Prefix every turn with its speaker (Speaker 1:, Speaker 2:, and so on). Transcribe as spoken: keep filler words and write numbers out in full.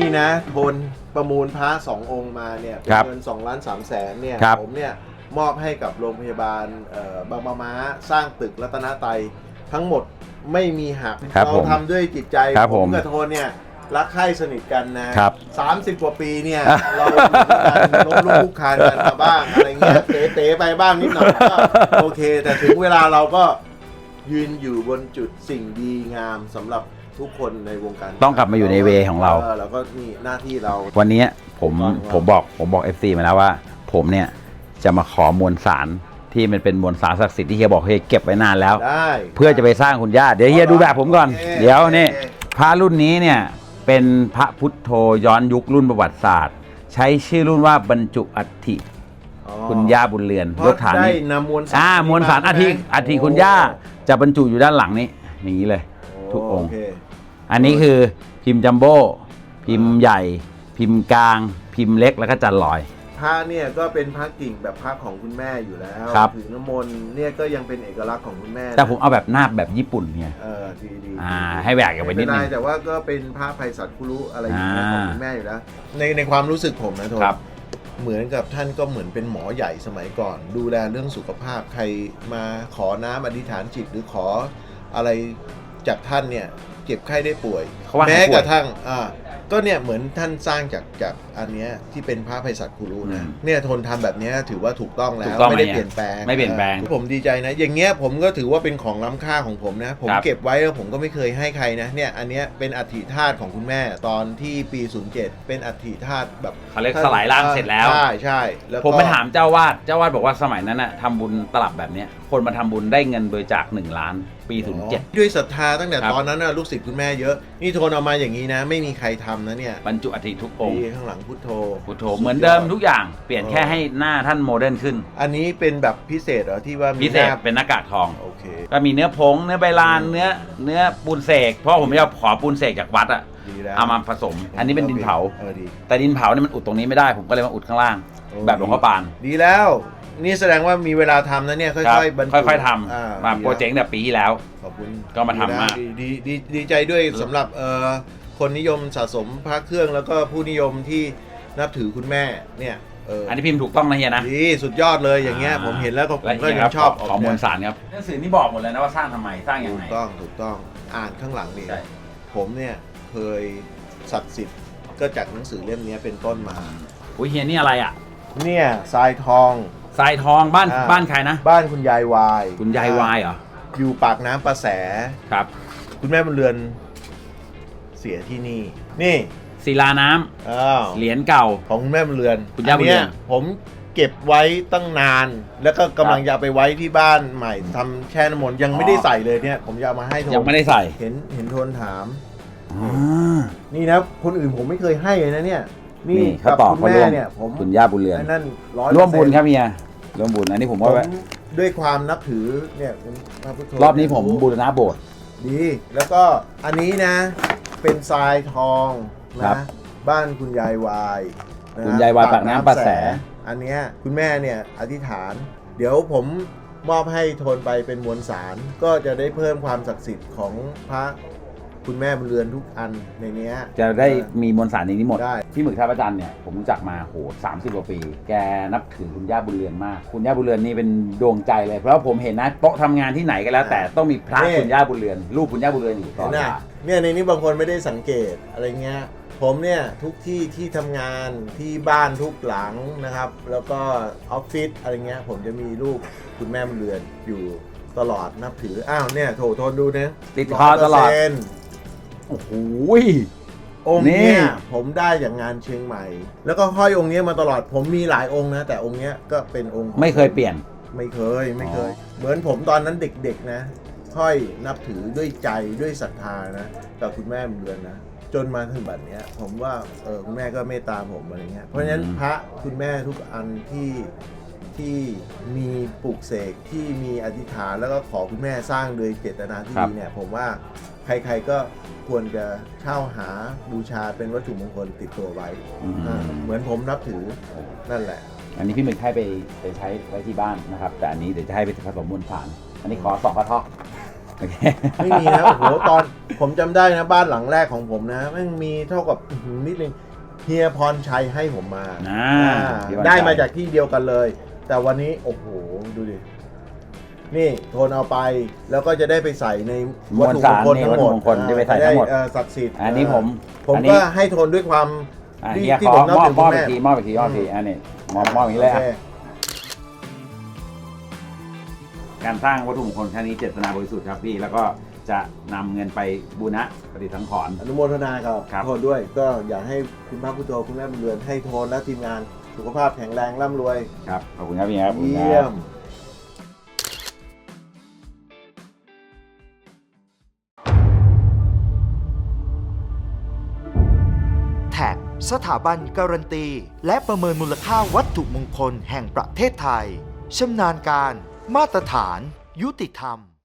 Speaker 1: นะโทนประมูลพระสององค์มาเนี่ยเป็นเงินสองล้านสามแสนเนี่ยผมเนี่ยมอบให้กับโรงพยาบาลบางปะม้าสร้างตึกรัตนไตรทั้งหมดไม่มีหักเราทำด้วยจิตใจผมกับโทนเนี่ยรักใคร่สนิทกันนะสามสิบกว่าปีเนี่ยเราล้มลุกคลุกคลานกันมาบ้างอะไรเงี้ยเตะๆไปบ้างนิดหน่อยก็โอเคแต่ถึงเวลาเราก็ยืนอยู่บนจุดสิ่งดีงามสำหรับทุกคนในวงการ
Speaker 2: ต้องกลับมาอยู่ในเวของเรา
Speaker 1: แล้วก็มีหน้าที่เรา
Speaker 2: วันนี้ผมผมบอกผมบอก เอฟ ซี มาแล้วว่าผมเนี่ยจะมาขอมวลสารที่มันเป็นมวลสารศักดิ์สิทธิ์ที่เฮียบอกเฮียเก็บไว้นานแล้วเพื่อจะไปสร้างคุณย่าเดี๋ยวเฮียดูแบบผมก่อนเดี๋ยวนี่พระรุ่นนี้เนี่ยเป็นพระพุทโธย้อนยุครุ่นประวัติศาสตร์ใช้ชื่อรุ่นว่าบรรจุอัฐิคุณย่าบุญเรือนยกฐานนี้อ่ามวลสารอัฐิอัฐิคุณย่าจะบรรจุอยู่ด้านหลังนี้อย่างนี้เลยทุกองค์อันนี้คือพิมพ์จัมโบ้พิมพ์ใหญ่พิมพ์กลางพิมพ์เล็กแล้วก็จันลอย
Speaker 1: พระเนี่ยก็เป็นพระกิ่งแบบพระของคุณแม่อยู่แล้วถือน้ำมนต์เนี่ยก็ยังเป็นเอกลักษณ์ของคุณแม่
Speaker 2: แต่ผมเอาแบบหน้าแบบญี่ปุ่นเนี่ย
Speaker 1: เออดีดี
Speaker 2: อ่าให้แหวกกันไปนิดนึง
Speaker 1: แต่ว่าก็เป็นพระไพศาลคุรุอะไรอย่างเงี้ยของคุณแม่อยู่แล้วในในความรู้สึกผมนะโทษเหมือนกับท่านก็เหมือนเป็นหมอใหญ่สมัยก่อนดูแลเรื่องสุขภาพใครมาขอน้ำอธิษฐานจิตหรือขออะไรจากท่านเนี่ยเจ็บไข้ได้ป่วยแม้กระทั่งอ่าก็เนี่ยเหมือนท่านสร้างจากจากอันเนี้ยที่เป็นพระไพศาลคุรุนะเนี่ยทนทำแบบนี้ถือว่าถูกต้องแล้วไม่ได้เปลี่ยนแปลง
Speaker 2: ไม่เปลี่ยนแปลง
Speaker 1: ผมดีใจนะอย่างเงี้ยผมก็ถือว่าเป็นของล้ำค่าของผมนะผมเก็บไว้แล้วผมก็ไม่เคยให้ใครนะเนี่ยอันเนี้ยเป็นอัฐิธาตุของคุณแม่ตอนที่ปีศูนย์เจ็ดเป็นอัฐิธาตุแบบ
Speaker 2: เขาเรียกสลายร่างเสร็จแล้ว
Speaker 1: ใช่ใช่แล้ว
Speaker 2: ผมไปถามเจ้าวาดเจ้าวาดบอกว่าสมัยนั้นน่ะทำบุญตลับแบบเนี้ยคนมาทำบุญได้เงินบริจาคหนึ่งล้านปีศูนย์เจ็ด
Speaker 1: ด้วยศรัทธาตั้งแต่ตอนนั้นนะลูกศิษย์คุณแม่เยอะนี่โทนเอามาอย่างนี้นะไม่มีใครทำนะเนี่ย
Speaker 2: บรรจุอัฐิทุกองค์
Speaker 1: ข้างหลังพุทโธ
Speaker 2: พุทโธเหมือนเดิมทุกอย่างเปลี่ยนแค่ให้หน้าท่านโมเดิร์นขึ้น
Speaker 1: อันนี้เป็นแบบพิเศษเหรอที่ว่า
Speaker 2: พิเศษเป็นหน้ากากทอง
Speaker 1: โอเค
Speaker 2: ก็มีเนื้อผงเนื้อใบลานเนื้อเนื้อปูนเสกเพราะผมจะขอปูนเสกจากวัดอะเอามาผสมอันนี้เป็นดินเผาแต่ดินเผาเนี่ยมันอุดตรงนี้ไม่ได้ผมก็เลยมาอุดข้างล่างแบบหลวงพ่อปาน
Speaker 1: ดีแล้วนี่แสดงว่ามีเวลาทำนะเนี่ยค่อยๆบรรจุ
Speaker 2: ค่อยๆทำมาโปรเจกต์แบบปีที่แล้ว
Speaker 1: ขอบคุณ
Speaker 2: ก็มาทำมา
Speaker 1: ดีดีดีใจด้วยสำหรับคนนิยมสะสมพระเครื่องแล้วก็ผู้นิยมที่นับถือคุณแม่เนี่ย
Speaker 2: อันนี้พิมพ์ถูกต้องนะเฮียนะ
Speaker 1: ดีสุดยอดเลยอย่างเงี้ยผมเห็นแล้วก็ผมก็ยังชอบ
Speaker 2: ขอมวลสารครับหนังสือนี่บอกหมดเลยนะว่าสร้างทำไมสร้างยังไง
Speaker 1: ถูกต้องถูกต้องอ่านข้างหลังนี่ผมเนี่ยเคยศักดิ์สิทธิ์ก็จากหนังสือเล่มนี้เป็นต้นมา
Speaker 2: อุ้ยเฮียนี่อะไรอ่ะ
Speaker 1: เนี่ยทรายทอง
Speaker 2: ทรายทองบ้านบ้านใครนะ
Speaker 1: บ้านคุณยายวาย
Speaker 2: คุณยายวายเหรอ
Speaker 1: อยู่ปากน้ำประแส
Speaker 2: ครับ
Speaker 1: คุณแม่บุญเรือนเสียที่นี่นี่
Speaker 2: ศิลาน้ำเหรียญเก่า
Speaker 1: ของคุณแม่บุญเรือน
Speaker 2: คุณย่าบุญเรือน
Speaker 1: ผมเก็บไว้ตั้งนานแล้วก็กำลังจะไปไว้ที่บ้านใหม่ทำแช่น้ำมนต์ยังไม่ได้ใส่เลยเนี่ยผมจะเอามาให้โทน
Speaker 2: ยังไม่ได้ใส่
Speaker 1: เห็นเห็นโทนถามนี่นะคนอื่นผมไม่เคยให้เลยนะเนี่ยนี่
Speaker 2: กับคุณแม่เนี่ยผมคุณย่าบุญเรือน
Speaker 1: นั่น
Speaker 2: ร่วมบุญครับเมียร่วมบุญอันนี้ผมว่า
Speaker 1: ด้วยความนับถือเนี่ย
Speaker 2: รอบนี้ผมบูรณะโบสถ์
Speaker 1: ดีแล้วก็อันนี้นะเป็นทรายทองนะบ้านคุณยายวาย
Speaker 2: คุณยายวายปากน้ำประแส
Speaker 1: อันเนี้ยคุณแม่เนี่ยอธิษฐานเดี๋ยวผมมอบให้โทนไปเป็นมวลสารก็จะได้เพิ่มความศักดิ์สิทธิ์ของพระคุณแม่บุญเรือนทุกอันในนี้
Speaker 2: จะได้มีมวลสารในนี้หมดพี่หมึกท่าพระจันทร์เนี่ยผมรู้จักมาโหสามสิบกว่าปีแกนับถือคุณย่าบุญเรือนมากคุณย่าบุญเรือนนี่เป็นดวงใจเลยเพราะผมเห็นนะโต๊ะทำงานที่ไหนก็แล้วแต่ต้องมีพระคุณย่าบุญเรือนรูปคุณย่าบุญเรือนอยู่ตลอดเวลา
Speaker 1: เนี่ยในนี้บางคนไม่ได้สังเกตอะไรเงี้ยผมเนี่ยทุกที่ที่ทำงานที่บ้านทุกหลังนะครับแล้วก็ออฟฟิศอะไรเงี้ยผมจะมีรูปคุณแม่บุญเรือนอยู่ตลอดนับถืออ้าวเนี่ยโถทนดูนะ
Speaker 2: ติดคอตลอดโอ้โห
Speaker 1: องค์เนี้ยผมได้จากงานเชียงใหม่แล้วก็ห้อยองค์นี้มาตลอดผมมีหลายองค์นะแต่องค์เนี้ยก็เป็นองค์
Speaker 2: ไม่เคยเปลี่ยน
Speaker 1: ไม่เคยไม่เคยเหมือนผมตอนนั้นเด็กๆนะห้อยนับถือด้วยใจด้วยศรัทธานะกับคุณแม่บุญเรือนนะจนมาถึงบัดเนี้ยผมว่าเออคุณแม่ก็เมตตาผมอะไรเงี้ยเพราะฉะนั้นพระคุณแม่ทุกอันที่ที่มีปลูกเสกที่มีอธิษฐานแล้วก็ขอคุณแม่สร้างโดยเจตนาที่ดีเนี่ยผมว่าใครๆก็ควรจะเช่าหาบูชาเป็นวัตถุมงคลติดตัวไว้เหมือนผมนับถือนั่นแหละ
Speaker 2: อันนี้พี่หมึกให้ไปไปใช้ไว้ที่บ้านนะครับแต่อันนี้เดี๋ยวจะให้ไปผสมมวลสารอันนี้ขอสองกระเทาะ
Speaker 1: ไม่มีนะโอ้โหตอนผมจำได้นะบ้านหลังแรกของผมนะแม่งมีเท่ากับอื้อหือนิดนึงเฮียพรชัยให้ผมมา
Speaker 2: อ่า
Speaker 1: อ่า
Speaker 2: เฮียพรชัย
Speaker 1: ได้มาจากที่เดียวกันเลย แต่วันนี้โอ้โหดูดินี่โทนเอาไปแล้วก็จะได้ไปใส่ในวัตถุมงคลทั้งหมด
Speaker 2: วัตถุมงคลที่ไปใส่ทั้งหมด
Speaker 1: เอ่อศักดิ์สิทธิ์
Speaker 2: อันนี้ผม
Speaker 1: ผม
Speaker 2: อันนี้
Speaker 1: ก็ให้โทนด้วยความ
Speaker 2: อ่ะ
Speaker 1: ที่
Speaker 2: เฮีย
Speaker 1: ที่
Speaker 2: ขอ
Speaker 1: ผมนับ
Speaker 2: มอบ
Speaker 1: ถือ
Speaker 2: ม
Speaker 1: คุ
Speaker 2: อบ
Speaker 1: ณ
Speaker 2: อี
Speaker 1: แม่
Speaker 2: กทีมอบอีกทีมอบอีกทีอันนี้มอบมอบอย่างนี้เลยอ่ะ
Speaker 1: โค
Speaker 2: การสร้างวัตถุมงคลครั้งนี้เจตนาบริสุทธิ์ครับพี่แล้วก็จะนำเงินไปบูรณะปฏิสังขรณ์
Speaker 1: อนุโมทนากับ
Speaker 2: ครับ
Speaker 1: โทนด้วย ก็อยากให้คุณพระพุทโธคุณแม่บุญเรือนให้โทนและทีมงานสุขภาพแข็งแรงร่ำรวย
Speaker 2: ครับขอบคุณครับพี่ครับขอบคุณค
Speaker 1: เยี่ย
Speaker 2: รับ
Speaker 1: ม
Speaker 3: แท็กสถาบันการันตี และประเมินมูลค่าวัตถุมงคลแห่งประเทศไทย ชำนาญการ มาตรฐาน ยุติธรรม